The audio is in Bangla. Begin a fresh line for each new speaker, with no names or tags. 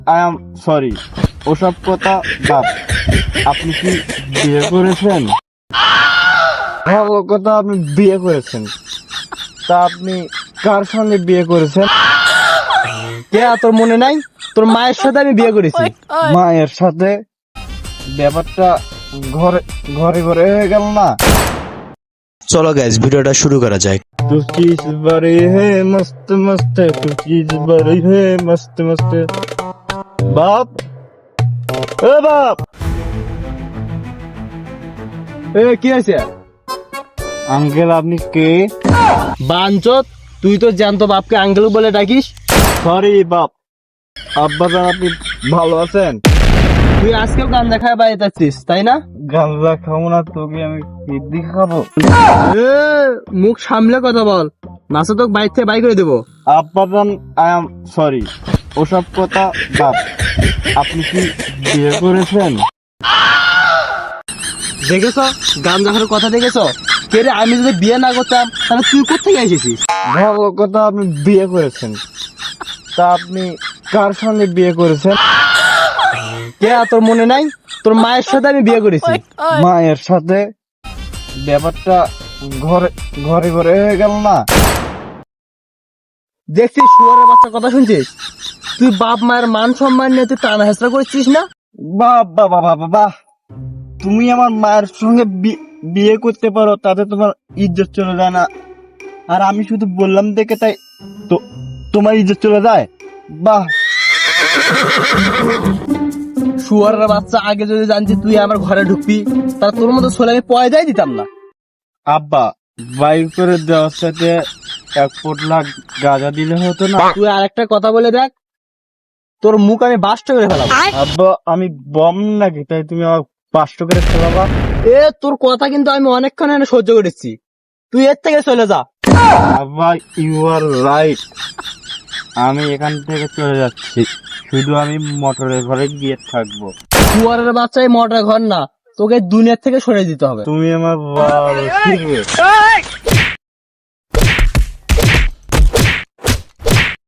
আই এম সরি, ওসব কথা বাদ। আপনি কি বিয়ে করেছেন? ভালো কথা, আপনি বিয়ে করেছেন। তা আপনি কার সঙ্গে বিয়ে করেছেন?
কে তোর মনে নাই? তোর মায়ের সাথে আমি বিয়ে করেছি।
মায়ের সাথে? ব্যাপারটা ঘরে ঘরে ঘরে হয়ে গেল না?
চলো গাইজ ভিডিওটা শুরু করা যাক।
तू चीज बड़ी है मस्त मस्त, तू चीज बड़ी है मस्त मस्त। बाप, ए बाप,
এ কি আছে?
আঙ্কেল আপনি কে?
বাঞ্চত, তুই তো জ্যান্ত বাপকে আঙ্কেল বলে ডাকিস।
সরি বাপ। আব্বাজান আপনি ভালো আছেন?
তুই আজকেও গান দেখায় বাড়িতে আসছিস তাই না?
গাঁজা খাবো না, তোকে আমি সিদ্ধি খাবো।
এ, মুখ সামলে কথা বল, নাচে তোকে বাইর থেকে বাই করে দেবো।
আব্বাজান আই এম সরি, ওসব কথা বাদ। আপনি কি বিয়ে করেছেন?
দেখেছ গান দেখার কথা দেখেছ? কে রে, আমি যদি বিয়ে না করতাম তাহলে তুই কোথেকে এসেছিস?
ভালো কথা, আপনি বিয়ে করেছেন। তা আপনি কার সঙ্গে বিয়ে করেছেন?
কে তোর মনে নাই? তোর মায়ের সাথে আমি বিয়ে করেছি।
মায়ের সাথে? ব্যাপারটা ঘরে ঘরে ঘরে হয়ে গেল না?
দেখছিস শুয়ারের বাচ্চা কথা শুনছিস? তুই বাপ মায়ের মান সম্মান নিয়ে তুই টানা হেসরা করছিস না?
বাহ বাহ বাহ বাহ বাহ, তুমি আমার মায়ের সঙ্গে বিয়ে করতে পারো, তাতে তোমার ইজ্জত চলে যায় না? আর আমি শুধু বললাম দেখে তাই তো তোমার ইজ্জত চলে যায়? বাহ।
শুয়ারের বাচ্চা, আগে যদি জানছি তুই আমার ঘরে ঢুকবি তাহলে তোর মতো ছোলে আমি পয়দাই দিতাম না।
আব্বা, বাইর করে দেওয়ার সাথে 1 পোটলা গাঁজা দিলে হতো না?
তুই আরেকটা কথা বলে দেখ, তোর মুখ আমি বাস্ট করে ফেলাবো।
আব্বা, আমি বম নাকি তাই তুমি আমার 500 করে ফেলাবা?
এ তোর কথা কিন্তু আমি অনেকক্ষণ এনে সহ্য করেছি, তুই এর থেকে চলে যা।
আব্বা, ইউ আর রাইট। আমি এখান থেকে চলে যাচ্ছি, শুধু আমি মোটরের ঘরে গিয়ে থাকবো।
শুয়ারের বাচ্চা এই মোটর ঘর না, তোকে দুনিয়ার থেকে সরে দিতে হবে।
তুমি আমার ভালো, ঠিক আছে?